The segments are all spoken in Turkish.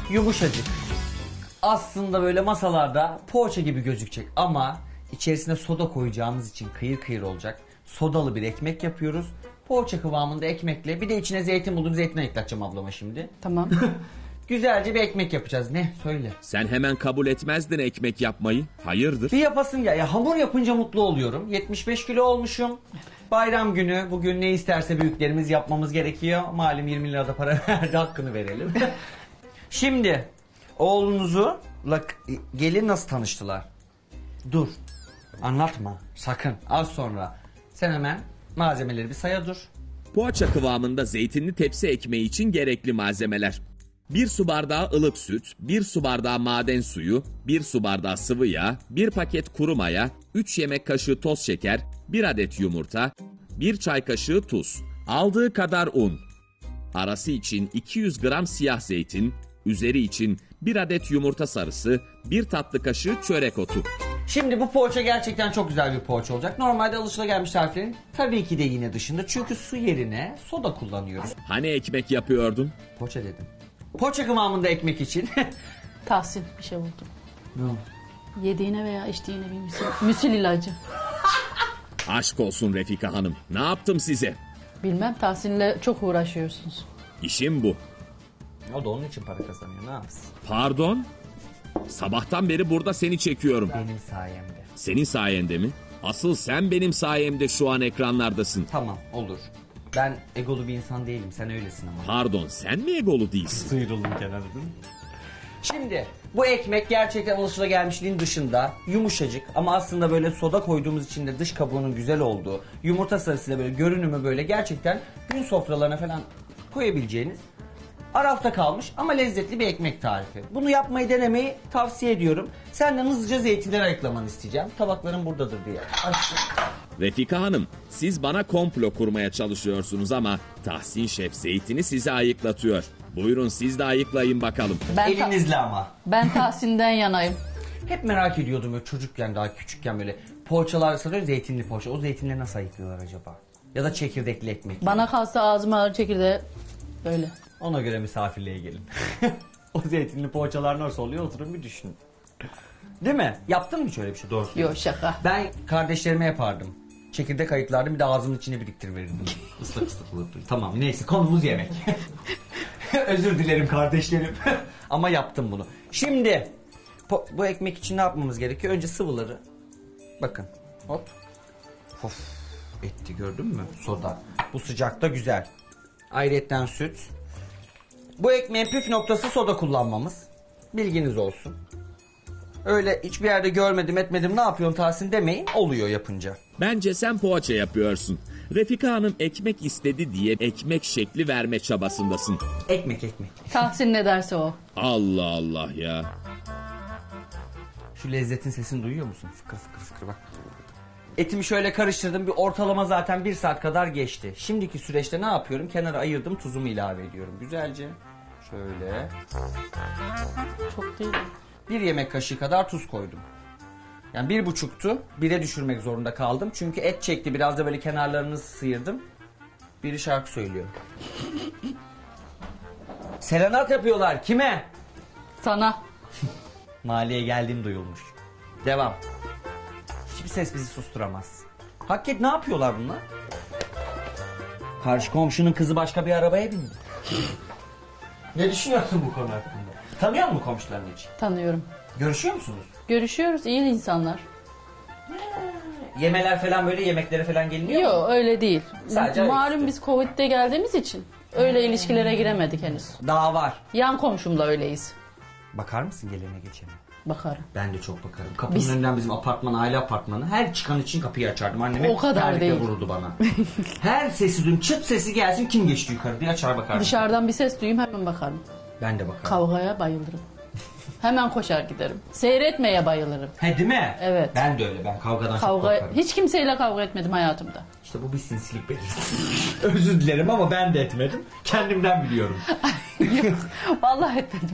Yumuşacık. Aslında böyle masalarda poğaça gibi gözükecek ama içerisine soda koyacağımız için kıyır kıyır olacak. Sodalı bir ekmek yapıyoruz. Poğaça kıvamında ekmekle, bir de içine zeytin buldum, zeytin ekleteceğim ablama şimdi. Tamam. Güzelce bir ekmek yapacağız. Ne? Söyle. Sen hemen kabul etmezdin ekmek yapmayı. Hayırdır? Bir yapasın ya hamur yapınca mutlu oluyorum. 75 kilo olmuşum. Bayram günü bugün ne isterse büyüklerimiz yapmamız gerekiyor. Malum 20 lirada para verdi, hakkını verelim. Şimdi oğlunuzla gelin nasıl tanıştılar? Dur. Anlatma. Sakın. Az sonra. Sen hemen malzemeleri bir saya dur. Poğaça kıvamında zeytinli tepsi ekmeği için gerekli malzemeler: 1 su bardağı ılık süt, 1 su bardağı maden suyu, 1 su bardağı sıvı yağ, 1 paket kuru maya, 3 yemek kaşığı toz şeker, 1 adet yumurta, 1 çay kaşığı tuz, aldığı kadar un, arası için 200 gram siyah zeytin, üzeri için 1 adet yumurta sarısı, 1 tatlı kaşığı çörek otu. Şimdi bu poğaça gerçekten çok güzel bir poğaça olacak. Normalde alışılagelmiş tariflerin tabii ki de yine dışında. Çünkü su yerine soda kullanıyoruz. Hani ekmek yapıyordun? Poğaça dedim. Poğaça kıvamında ekmek için. Tahsin bir şey buldum. Ne oldu? Yediğine veya içtiğine bir müsil ilacı. Aşk olsun Refika Hanım. Ne yaptım size? Bilmem, Tahsin'le çok uğraşıyorsunuz. İşim bu. O da onun için para kazanıyor, ne yapsın? Pardon? Sabahtan beri burada seni çekiyorum. Benim sayemde. Senin sayende mi? Asıl sen benim sayemde şu an ekranlardasın. Tamam, olur. Ben egolu bir insan değilim, sen öylesin ama. Pardon, sen mi egolu değilsin? Sıyrıldım kenarda. Şimdi bu ekmek gerçekten alışılagelmişliğin dışında yumuşacık ama aslında böyle soda koyduğumuz için de dış kabuğunun güzel olduğu, yumurta sarısıyla böyle görünümü böyle gerçekten gün sofralarına falan koyabileceğiniz arafta kalmış ama lezzetli bir ekmek tarifi. Bunu yapmayı denemeyi tavsiye ediyorum. Senden hızlıca zeytinleri ayıklamanı isteyeceğim. Tabaklarım buradadır diye. Açtım. Refika Hanım, siz bana komplo kurmaya çalışıyorsunuz ama Tahsin Şef zeytini size ayıklatıyor. Buyurun siz de ayıklayın bakalım. Elinizle ama. Ben Tahsin'den yanayım. Hep merak ediyordum böyle çocukken, daha küçükken böyle poğaçalar satıyor, zeytinli poğaça. O zeytinleri nasıl ayıklıyorlar acaba? Ya da çekirdekli ekmek. Bana kalsa ağzıma ağır çekirdeği böyle. Ona göre misafirliğe gelin. O zeytinli poğaçalar nasıl oluyor oturun bir düşünün. Değil mi? Yaptın mı hiç öyle bir şey? Doğru söylüyorsun. Yok, şaka. Ben kardeşlerime yapardım. Çekirdek ayıklardım, bir de ağzımın içine biriktirirdim. Islak ıslak olurdu. Tamam neyse, konumuz yemek. Özür dilerim kardeşlerim. Ama yaptım bunu. Şimdi bu ekmek için ne yapmamız gerekiyor? Önce sıvıları. Bakın. Hop. Of. Etti, gördün mü? Soda. Bu sıcakta güzel. Ayrıyetten süt. Bu ekmeğin püf noktası soda kullanmamız. Bilginiz olsun. Öyle hiçbir yerde görmedim etmedim ne yapıyorsun Tahsin demeyin. Oluyor yapınca. Bence sen poğaça yapıyorsun. Refika Hanım ekmek istedi diye ekmek şekli verme çabasındasın. Ekmek. Tahsin ne derse o. Allah Allah ya. Şu lezzetin sesini duyuyor musun? Fıkır fıkır fıkır bak. Etimi şöyle karıştırdım. Bir ortalama zaten 1 saat kadar geçti. Şimdiki süreçte ne yapıyorum? Kenara ayırdım, tuzumu ilave ediyorum. Güzelce. Şöyle. Çok değil. 1 yemek kaşığı kadar tuz koydum. Yani 1,5'tu. 1'e düşürmek zorunda kaldım. Çünkü et çekti. Biraz da böyle kenarlarını sıyırdım. Biri şarkı söylüyor. Serenat yapıyorlar. Kime? Sana. Mahalleye geldiğim duyulmuş. Devam. Hiçbir ses bizi susturamaz. Hakikat ne yapıyorlar bunlar? Karşı komşunun kızı başka bir arabaya bindi. Ne düşünüyorsun bu konu hakkında? Tanıyor musun komşularını hiç? Tanıyorum. Görüşüyor musunuz? Görüşüyoruz, iyi insanlar. Yemeler falan böyle yemeklere falan geliniyor mu? Yok, öyle değil. Sadece Malum ayaküstü. biz Covid'de geldiğimiz için öyle ilişkilere giremedik henüz. Daha var. Yan komşumla öyleyiz. Bakar mısın gelene geçene? Bakarım. Ben de çok bakarım. Kapının önünden bizim apartman, aile apartmanı. Her çıkan için kapıyı açardım. Annem hep O kadar terlikle değil. vururdu bana. Her sesi duyayım, çıt sesi gelsin, kim geçti yukarı diye açar bakardım. Dışarıdan bir ses duyayım hemen bakarım. Ben de bakarım. Kavgaya bayılırım. Hemen koşar giderim. Seyretmeye bayılırım. He değil mi? Evet. Ben de öyle. Ben kavgadan çok Kavga, korkarım. hiç kimseyle kavga etmedim hayatımda. İşte bu bir sinsilik belirtisi. Özür dilerim ama ben de etmedim. Kendimden biliyorum. Yok, vallahi etmedim.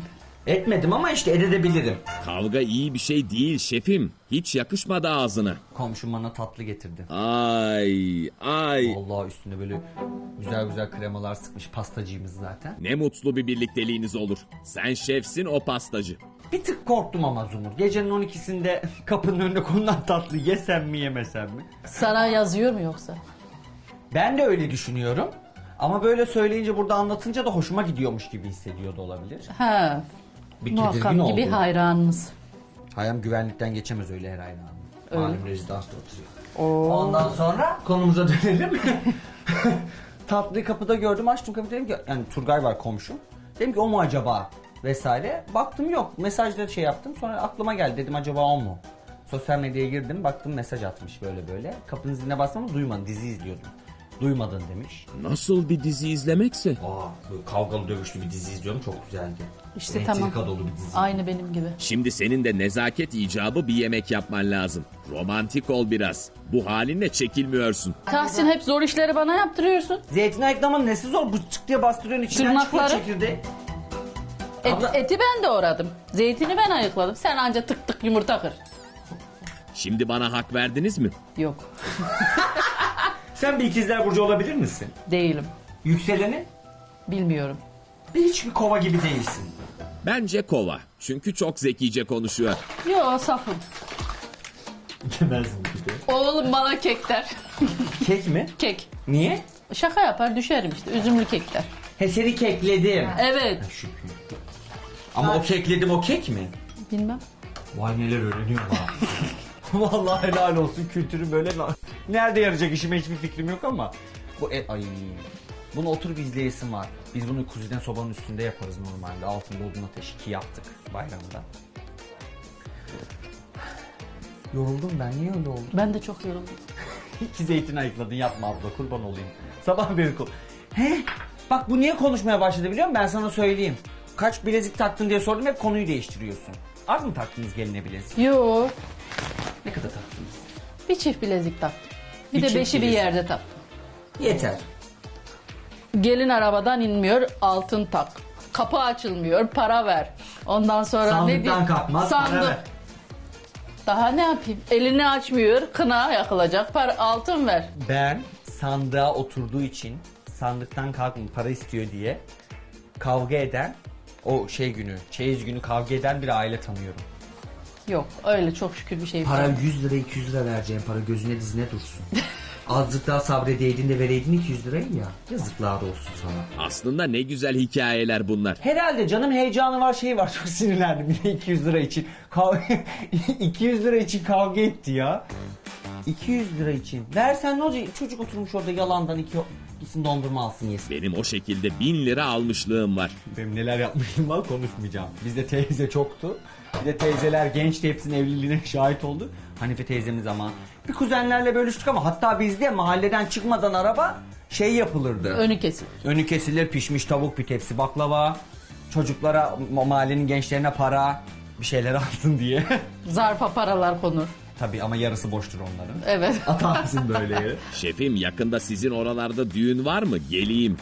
Etmedim ama işte edebilirim. Kavga iyi bir şey değil şefim. Hiç yakışmadı ağzına. Komşum bana tatlı getirdi. Ay ay. Allah üstüne böyle güzel güzel kremalar sıkmış, pastacıyımız zaten. Ne mutlu bir birlikteliğiniz olur. Sen şefsin, o pastacı. Bir tık korktum ama Zumur. Gecenin 12'sinde kapının önüne konulan tatlı yesem mi yemesem mi? Sana yazıyor mu yoksa? Ben de öyle düşünüyorum. Ama böyle söyleyince, burada anlatınca da hoşuma gidiyormuş gibi hissediyor da olabilir. Ha. Bir Muhakkak tedirgin gibi oldum. hayranınız. Hayam güvenlikten geçemez öyle her aynı anda. Öyle. Malum rezidansta oturuyor. Ondan sonra konumuza dönelim. Tatlıyı kapıda gördüm, açtım kapıyı, dedim ki yani Turgay var komşum. Dedim ki o mu acaba vesaire. Baktım yok, mesajda şey yaptım, sonra aklıma geldi, dedim acaba o mu? Sosyal medyaya girdim, baktım mesaj atmış böyle böyle. Kapının ziline bastım ama duymadım, dizi izliyordum. Duymadın demiş. Nasıl bir dizi izlemekse? Böyle kavgalı dövüşlü bir dizi izliyorum, çok güzeldi. İşte Entrika tamam. dolu bir dizi. Aynı benim gibi. Şimdi senin de nezaket icabı bir yemek yapman lazım. Romantik ol biraz. Bu halinle çekilmiyorsun. Tahsin, hep zor işleri bana yaptırıyorsun. Zeytin ayıklamanın nesi zor? Bu çık diye bastırıyorsun, içinden çıkıyor Tırnakları. çekirdeği. Abla- Eti ben doğradım. Zeytini ben ayıkladım. Sen anca tık tık yumurta kır. Şimdi bana hak verdiniz mi? Yok. Sen bir ikizler burcu olabilir misin? Değilim. Yükseleni? Bilmiyorum. Hiçbir kova gibi değilsin. Bence kova. Çünkü çok zekice konuşuyor. Yo, safım. Demezsin bir de. Oğlum bana kek der. Kek mi? Kek. Niye? Şaka yapar düşerim işte. Üzümlü kek der. He, seni kekledim. Evet. Şükür. Ama o kekledim, o kek mi? Bilmem. Vay neler öğreniyorum ha. Vallahi helal olsun, kültürü böyle nerede yarayacak işime hiçbir fikrim yok ama. Ay. Bunu oturup izleyesim var. Biz bunu kuziden sobanın üstünde yaparız normalde. Altında odun ateşi ki yaptık bayramda. Yoruldum ben, niye öyle oldu? Ben de çok yoruldum. İki zeytin ayıkladın, yapma abla, kurban olayım. Sabah beri He, bak bu niye konuşmaya başladı biliyor musun? Ben sana söyleyeyim. Kaç bilezik taktın diye sordum, hep konuyu değiştiriyorsun. Az mı taktınız geline bilezik? Yo. Ne kadar taktınız? Bir çift bilezik taktım. Bir Bir de çift beşi bir bilezik. yerde taktım. Yeter. Gelin arabadan inmiyor, altın tak. Kapı açılmıyor, para ver. Ondan sonra Sandıktan ne diyeyim? kalkmaz, para ver. Daha ne yapayım? Elini açmıyor, kına yakılacak, para, altın ver. Ben sandığa oturduğu için sandıktan kalkmayın para istiyor diye kavga eden, o şey günü, çeyiz günü kavga eden bir aile tanıyorum. Yok, öyle çok şükür bir şey yok. Para 100 lira 200 lira vereceğim, para gözüne dizine dursun. Azıcık daha sabredeydin de vereydin 200 lirayı ya. Yazıklar olsun sana. Aslında ne güzel hikayeler bunlar. Herhalde canım, heyecanı var, şey var, çok sinirlendim yine 200 lira için. 200 lira için kavga etti ya. 200 lira için. Versen ne olacak? Çocuk oturmuş orada yalandan gitsin dondurma alsın yesin. Benim o şekilde 1000 lira almışlığım var. Benim neler yapmışım var, konuşmayacağım. Bizde teyze çoktu. Bir de teyzeler gençti, hepsinin evliliğine şahit oldu. Hanife teyzemiz ama. Bir kuzenlerle bölüştük ama hatta bizde mahalleden çıkmadan araba şey yapılırdı. Önü kesin. Önü kesilir, pişmiş tavuk, bir tepsi baklava. Çocuklara, mahallenin gençlerine para, bir şeyler alsın diye. Zarfa paralar konur. Tabii ama yarısı boştur onların. Evet. Atarsın böyle yere. Şefim, yakında sizin oralarda düğün var mı? Geleyim.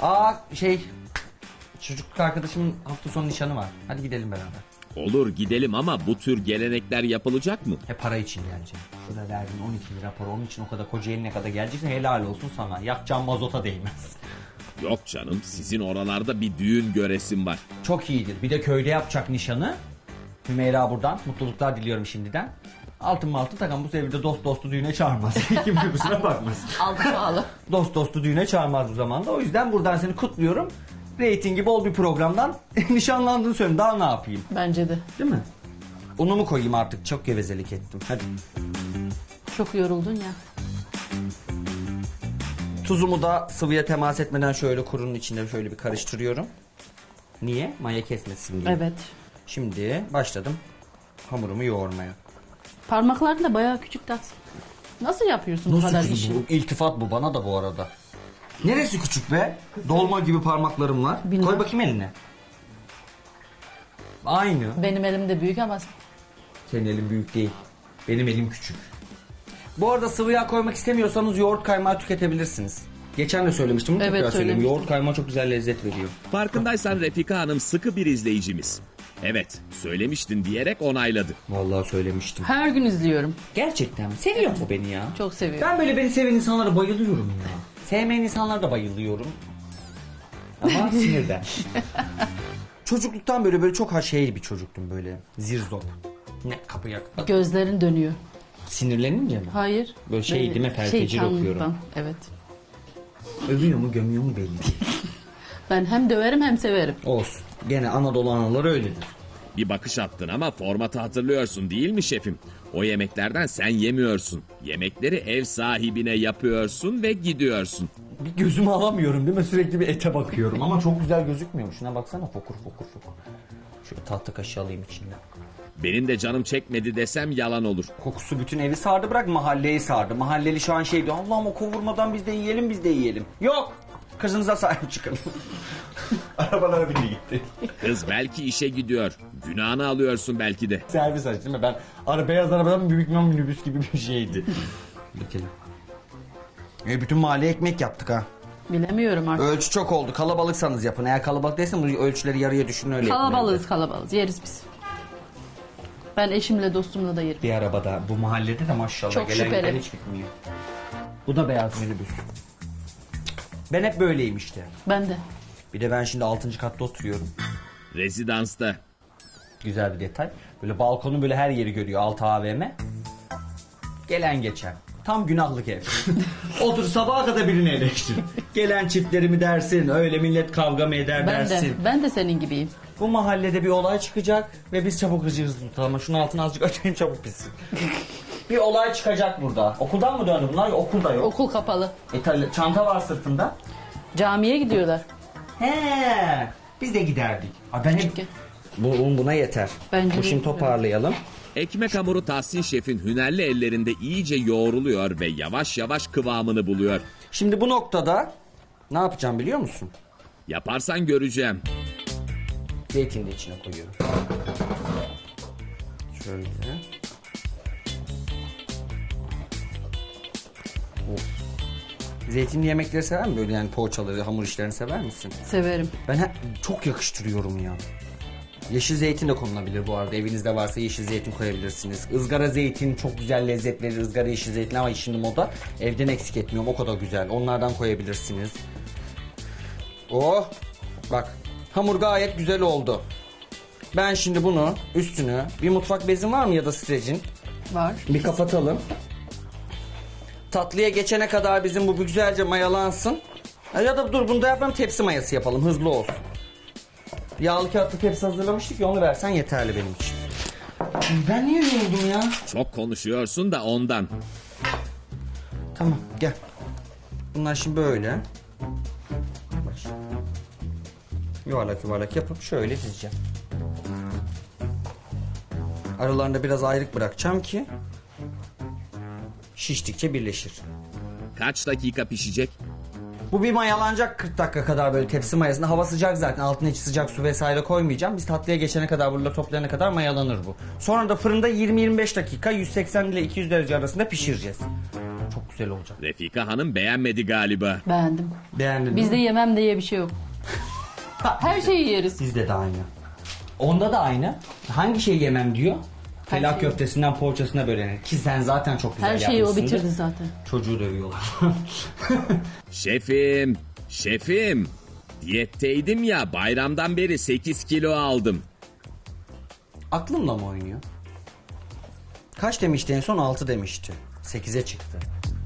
Çocukluk arkadaşımın hafta sonu nişanı var. Hadi gidelim beraber. Olur, gidelim ama bu tür gelenekler yapılacak mı? Para için geleceğim. Şurada verdiğin 12 lira para, onun için o kadar Kocaeli'ne kadar geleceksin, helal olsun sana. Yakacağın mazota değmez. Yok canım, sizin oralarda bir düğün göresim var. Çok iyidir. Bir de köyde yapacak nişanı. Hümeyra buradan mutluluklar diliyorum şimdiden. Altın takan bu devirde dostu düğüne çağırmaz. Kimse kusura bakmasın. Altı pahalı. Dostu düğüne çağırmaz bu zamanda. O yüzden buradan seni kutluyorum. Reytingi bol bir programdan nişanlandığını söyleyeyim. Daha ne yapayım? Bence de. Değil mi? Unu mu koyayım artık? Çok gevezelik ettim. Hadi. Çok yoruldun ya. Tuzumu da sıvıya temas etmeden şöyle kurunun içinde şöyle bir karıştırıyorum. Niye? Maya kesmesin diye. Evet. Şimdi başladım hamurumu yoğurmaya. Parmakların da bayağı küçük Tahsin. Nasıl yapıyorsun bu kadar küçük işi? bu? İltifat bu bana da bu arada. Neresi küçük be? Dolma gibi parmaklarım var. Bilmem. Koy bakayım eline. Aynı. Benim elim de büyük ama Senin elin büyük değil. Benim elim küçük. Bu arada sıvı yağ koymak istemiyorsanız yoğurt kaymağı tüketebilirsiniz. Geçen de söylemiştim. Evet, Tekrar söyleyeyim. söylemiştin. Yoğurt kaymağı çok güzel lezzet veriyor. Farkındaysan Refika Hanım sıkı bir izleyicimiz. Evet, söylemiştin diyerek onayladı. Vallahi söylemiştim. Her gün izliyorum. Gerçekten mi? Seviyor mu beni ya? Çok seviyorum. Ben böyle beni seven insanlara bayılıyorum ya. Sevmeyen insanlara da bayılıyorum. Ama sinirden. Çocukluktan böyle çok şey bir çocuktum böyle. Zirzop. Ne kapıya. Gözlerin dönüyor. Sinirlenince mi? Hayır. Böyle şey değil mi? Feltecir Şeytanlıktan, okuyorum. Evet. Övüyor mu gömüyor mu belli değil. Ben hem döverim hem severim. Olsun. Gene Anadolu anaları öyledir. Bir bakış attın ama formatı hatırlıyorsun değil mi şefim? O yemeklerden sen yemiyorsun. Yemekleri ev sahibine yapıyorsun ve gidiyorsun. Bir gözümü alamıyorum değil mi? Sürekli bir ete bakıyorum ama çok güzel gözükmüyor. Şuna baksana fokur fokur fokur. Şöyle tahta kaşığı alayım içinden. Benim de canım çekmedi desem yalan olur. Kokusu bütün evi sardı, bırak mahalleyi sardı. Mahalleli şu an şey diyor, Allah'ım o kavurmadan biz de yiyelim biz de yiyelim. Yok, kızınıza sahip çıkın. Arabalara bile gitti. Kız belki işe gidiyor. Günahını alıyorsun belki de. Servis açtı değil mi? Ben beyaz arabadan büyük bir minibüs gibi bir şeydi. Bakalım. Bütün mahalleye ekmek yaptık ha. Bilemiyorum artık. Ölçü çok oldu. Kalabalıksanız yapın. Eğer kalabalık değilseniz bu ölçüleri yarıya düşünün öyle yapın. Kalabalığız. Yeriz biz. Ben eşimle dostumla da yerim. Bir arabada bu mahallede de maşallah Çok gelen şüpheli. giden hiç bitmiyor. Bu da beyaz minibüs. Ben hep böyleyim işte. Ben de. Bir de ben şimdi 6. katta oturuyorum. Rezidansta. Güzel bir detay. Böyle balkonun böyle her yeri görüyor. 6 AVM. Gelen geçen. Tam günahlık ev. Otur sabaha kadar birini eleştir. Gelen çiftlerimi dersin. Öyle millet kavga mı eder dersin. Ben de senin gibiyim. Bu mahallede bir olay çıkacak ve biz çabuk hıcırız tutalım. Şunun altını azıcık açayım çabuk bitsin. Bir olay çıkacak burada. Okuldan mı döndü bunlar? Okulda yok. Okul kapalı. Çanta var sırtında. Camiye gidiyorlar. He, biz de giderdik. Abi ben hep... Çünkü. Buna yeter. Bence Bu de. şimdi toparlayalım. Ekmek hamuru Tahsin Şef'in hünerli ellerinde iyice yoğruluyor ve yavaş yavaş kıvamını buluyor. Şimdi bu noktada ne yapacağım biliyor musun? Yaparsan göreceğim. Zeytini de içine koyuyorum. Şöyle. Of. Zeytinli yemekleri sever misin? Böyle yani poğaçaları, hamur işlerini sever misin? Severim. Ben çok yakıştırıyorum ya. Yeşil zeytin de konulabilir bu arada. Evinizde varsa yeşil zeytin koyabilirsiniz. Izgara zeytin çok güzel lezzet verir. Izgara yeşil zeytin ama şimdi moda. Evden eksik etmiyorum. O kadar güzel. Onlardan koyabilirsiniz. Oh. Bak. Hamur gayet güzel oldu. Ben şimdi bunu üstünü bir mutfak bezin var mı ya da streçin? Var. Bir kapatalım. Tatlıya geçene kadar bizim bu güzelce mayalansın. Ya da dur bunu da yapalım, tepsi mayası yapalım, hızlı olsun. Yağlı kağıtlı tepsi hazırlamıştık ya, onu versen yeterli benim için. Ben niye yoruldum ya? Çok konuşuyorsun da ondan. Tamam gel. Bunlar şimdi böyle. Bak şimdi. Yuvarlak yuvarlak yapıp şöyle dizeceğim. Aralarında biraz ayrık bırakacağım ki şiştikçe birleşir. Kaç dakika pişecek? Bu bir mayalanacak 40 dakika kadar böyle tepsi mayasında. Hava sıcak zaten, altına hiç sıcak su vesaire koymayacağım. Biz tatlıya geçene kadar, burada toplayana kadar mayalanır bu. Sonra da fırında 20-25 dakika 180 ile 200 derece arasında pişireceğiz. Çok güzel olacak. Refika Hanım beğenmedi galiba. Beğendim. Beğendin Bizde mi? yemem diye bir şey yok. Her şeyi yeriz. Bizde de aynı. Onda da aynı. Hangi şeyi yemem diyor? Her Felak şeyi. köftesinden poğaçasına bölenir. Ki sen zaten çok güzel Her şeyi o yapmışsındır. bitirdi zaten. Çocuğu dövüyorlar. Şefim. Diyetteydim ya, bayramdan beri 8 kilo aldım. Aklımla mı oynuyor? Kaç demişti en son? 6 demişti. 8'e çıktı.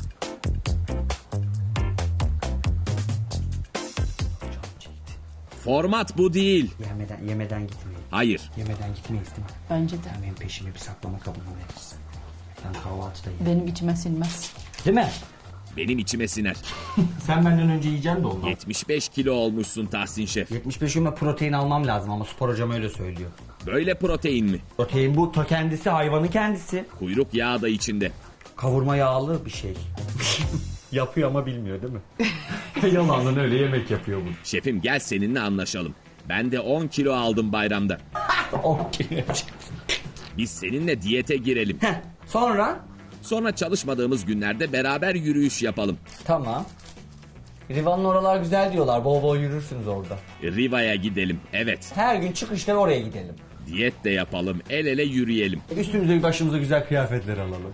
Format bu değil. Yemeden gitmeyin. Hayır. Yemeden gitmeyiz değil mi? Bence de. Sen benim peşime bir saklama kabını verirsin. Ben kahvaltıda yerim. Benim içime sinmez. Değil mi? Benim içime siner. Sen benden önce yiyeceksin de ondan. 75 kilo olmuşsun Tahsin Şef. 75 gün protein almam lazım ama spor hocam öyle söylüyor. Böyle protein mi? Protein bu kendisi, hayvanın kendisi. Kuyruk yağı da içinde. Kavurma yağlı bir şey. Yapıyor ama bilmiyor değil mi? Yalandan öyle yemek yapıyor bu. Şefim gel seninle anlaşalım. Ben de 10 kilo aldım bayramda. Okey. Biz seninle diyete girelim. Sonra? Sonra çalışmadığımız günlerde beraber yürüyüş yapalım. Tamam. Riva'nın oralar güzel diyorlar. Bol bol yürürsünüz orada. Riva'ya gidelim. Evet. Her gün çıkışta oraya gidelim. Diyet de yapalım, el ele yürüyelim. Üstümüze başımıza güzel kıyafetler alalım.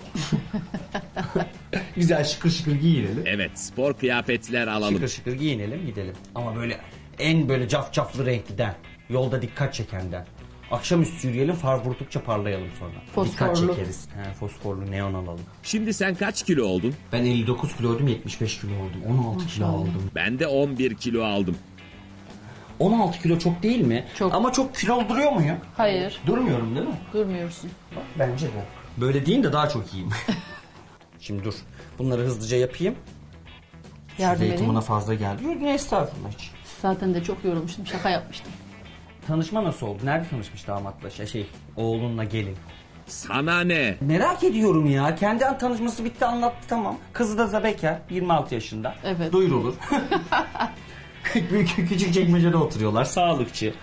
Güzel şıkır şıkır giyinelim. Evet, spor kıyafetler alalım. Şıkır şıkır giyinelim gidelim. Ama böyle en böyle cafcaflı renkliden. Yolda dikkat çekenden. Akşamüstü yürüyelim, far vurdukça parlayalım sonra. Dikkat Fosforlu. çekeriz. Fosforlu neon alalım. Şimdi sen kaç kilo oldun? Ben 59 kiloydum, 75 kilo oldum. 16 kilo aldım. Ben de 11 kilo aldım. 16 kilo çok değil mi? Çok. Ama çok kilo duruyor muyum? Hayır, Durmuyorum değil mi? durmuyorsun. Bence de. Böyle değil de daha çok iyiyim. Şimdi dur. Bunları hızlıca yapayım. Yardım Zeytin edeyim. bana fazla geldi. Yok, ne estağfurullah hiç. Zaten de çok yorulmuştum, şaka yapmıştım. Tanışma nasıl oldu? Nerede tanışmış damatla? Oğlunla gelin. Sana ne? Merak ediyorum ya. Kendi tanışması bitti, anlattı, tamam. Kızı da bekar, 26 yaşında. Evet. Duyurulur. Küçük çekmecede oturuyorlar. Sağlıkçı.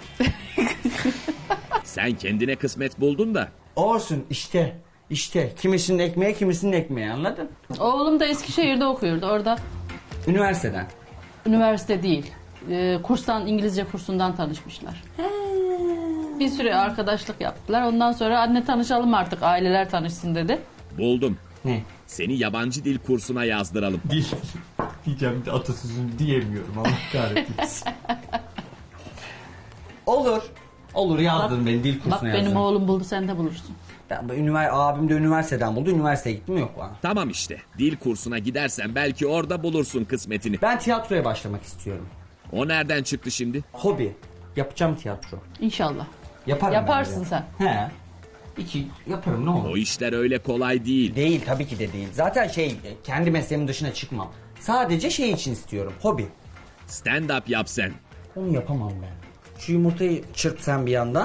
Sen kendine kısmet buldun da. Olsun işte. İşte kimisinin ekmeği kimisinin ekmeği, anladın? Oğlum da Eskişehir'de okuyordu. Orada Üniversiteden. üniversite değil, kurstan, İngilizce kursundan tanışmışlar. Bir süre arkadaşlık yaptılar. Ondan sonra anne tanışalım artık, aileler tanışsın dedi. Buldum. Ne? Seni yabancı dil kursuna yazdıralım. Dil. Diyeceğim de atasözünü diyemiyorum, Allah kahretmesin. Olur. Olur, yazdırın beni dil kursuna Bak benim yazdırın. oğlum buldu, sen de bulursun. Abim de üniversiteden buldu. Üniversiteye gittim, yok bana. Tamam işte. Dil kursuna gidersen belki orada bulursun kısmetini. Ben tiyatroya başlamak istiyorum. O nereden çıktı şimdi? Hobi. Yapacağım tiyatro. İnşallah. Yaparım Yaparsın bence. He. Yaparım, ne olur. O işler öyle kolay değil. Değil, tabii ki de değil. Zaten kendi mesleğimin dışına çıkmam. Sadece için istiyorum. Hobi. Stand-up yap sen. Onu yapamam ben. Şu yumurtayı çırp sen bir yandan.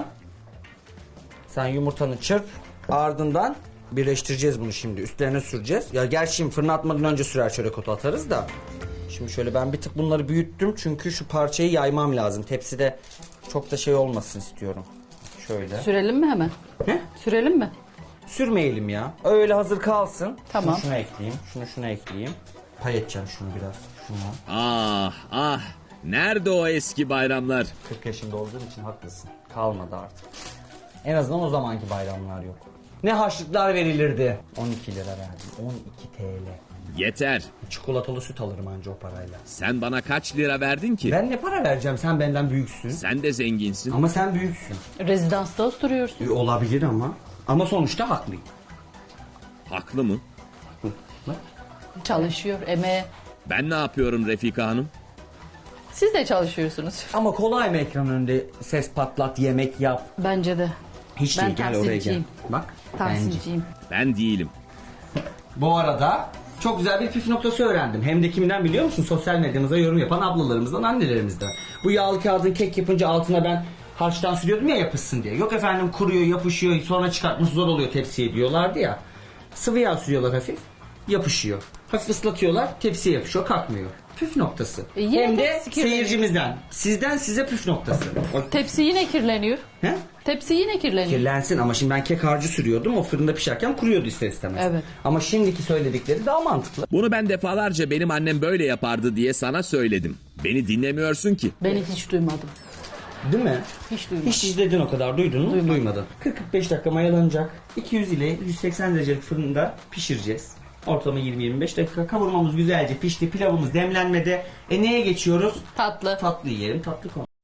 Sen yumurtanı çırp. Ardından birleştireceğiz bunu şimdi. Üstlerine süreceğiz. Ya gerçi şimdi fırına atmadan önce sürer çörek otu atarız da. Şimdi şöyle ben bir tık bunları büyüttüm. Çünkü şu parçayı yaymam lazım. Tepside çok da olmasın istiyorum. Şöyle. Sürelim mi hemen? Ne? Sürelim mi? Sürmeyelim ya. Öyle hazır kalsın. Tamam. Şunu şuna ekleyeyim. Şuna ekleyeyim. Pay edeceğim şunu biraz. Şuna. Ah ah. Nerede o eski bayramlar? 40 yaşında olduğum için haklısın. Kalmadı artık. En azından o zamanki bayramlar yok. Ne harçlıklar verilirdi. 12 lira verdim. 12 TL. Yeter. Çikolatalı süt alırım anca o parayla. Sen bana kaç lira verdin ki? Ben ne para vereceğim? Sen benden büyüksün. Sen de zenginsin. Ama sen büyüksün. Rezidansta oturuyorsun. Olabilir ama. Ama sonuçta haklıyım. Haklı mı? Bak. Çalışıyor, emeğe. Ben ne yapıyorum Refika Hanım? Siz de çalışıyorsunuz. Ama kolay mı ekran önünde ses patlat, yemek yap? Bence de. Hiç Ben değil, gel oraya gel. tahsilciyim. Bak. Bence. Tahsilciyim. Ben değilim. Bu arada çok güzel bir püf noktası öğrendim. Hem de kimden biliyor musun? Sosyal medyamıza yorum yapan ablalarımızdan, annelerimizden. Bu yağlı kağıdın kek yapınca altına ben harçtan sürüyordum ya yapışsın diye. Yok efendim, kuruyor, yapışıyor, sonra çıkartması zor oluyor tepsiye diyorlardı ya. Sıvı yağ sürüyorlar hafif, yapışıyor. Hafif ıslatıyorlar, tepsiye yapışıyor, kalkmıyor. Püf noktası. Yine Hem de tepsi kirleniyor. seyircimizden. Sizden size püf noktası. Tepsi yine kirleniyor. He? Tepsi yine kirleniyor. Kirlensin ama şimdi ben kek harcı sürüyordum. O fırında pişerken kuruyordu ister istemez. Evet. Ama şimdiki söyledikleri daha mantıklı. Bunu ben defalarca benim annem böyle yapardı diye sana söyledim. Beni dinlemiyorsun ki. Beni hiç duymadım. Değil mi? Hiç duymadım. Hiç izledin o kadar, duydun mu? Duymadım. Duymadın. 40-45 dakika mayalanacak. 200 ile 180 derecelik fırında pişireceğiz. Ortalama 20-25 dakika. Kavurmamız güzelce pişti. Pilavımız demlenmede. Neye geçiyoruz? Tatlı. Tatlı yiyelim. Tatlı konu.